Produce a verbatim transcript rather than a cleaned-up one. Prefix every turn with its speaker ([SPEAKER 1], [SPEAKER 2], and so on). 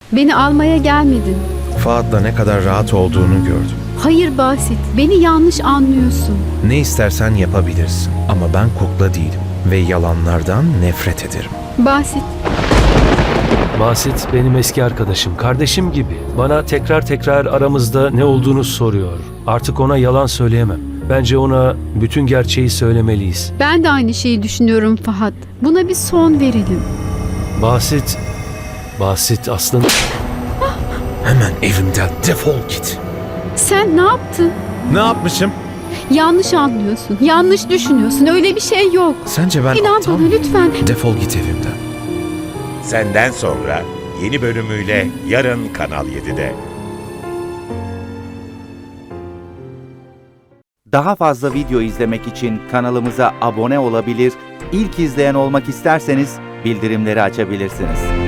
[SPEAKER 1] Beni almaya gelmedin.
[SPEAKER 2] Faat'la ne kadar rahat olduğunu gördüm.
[SPEAKER 1] Hayır Basit, beni yanlış anlıyorsun.
[SPEAKER 2] Ne istersen yapabilirsin ama ben kukla değilim ve yalanlardan nefret ederim.
[SPEAKER 1] Basit,
[SPEAKER 3] Basit benim eski arkadaşım, kardeşim gibi. Bana tekrar tekrar aramızda ne olduğunu soruyor. Artık ona yalan söyleyemem. Bence ona bütün gerçeği söylemeliyiz.
[SPEAKER 1] ben de aynı şeyi düşünüyorum Fahat. Buna bir son verelim.
[SPEAKER 3] Basit, Basit aslında...
[SPEAKER 2] Hemen evimden defol git.
[SPEAKER 1] Sen ne yaptın?
[SPEAKER 2] Ne yapmışım?
[SPEAKER 1] Yanlış anlıyorsun, yanlış düşünüyorsun. Öyle bir şey yok.
[SPEAKER 2] Sence ben
[SPEAKER 1] İnan
[SPEAKER 2] aptal
[SPEAKER 1] bana
[SPEAKER 2] mıyım?
[SPEAKER 1] lütfen.
[SPEAKER 2] Defol git evimden.
[SPEAKER 4] Senden Sonra yeni bölümüyle yarın Kanal yedide.
[SPEAKER 5] Daha fazla video izlemek için kanalımıza abone olabilir, ilk izleyen olmak isterseniz bildirimleri açabilirsiniz.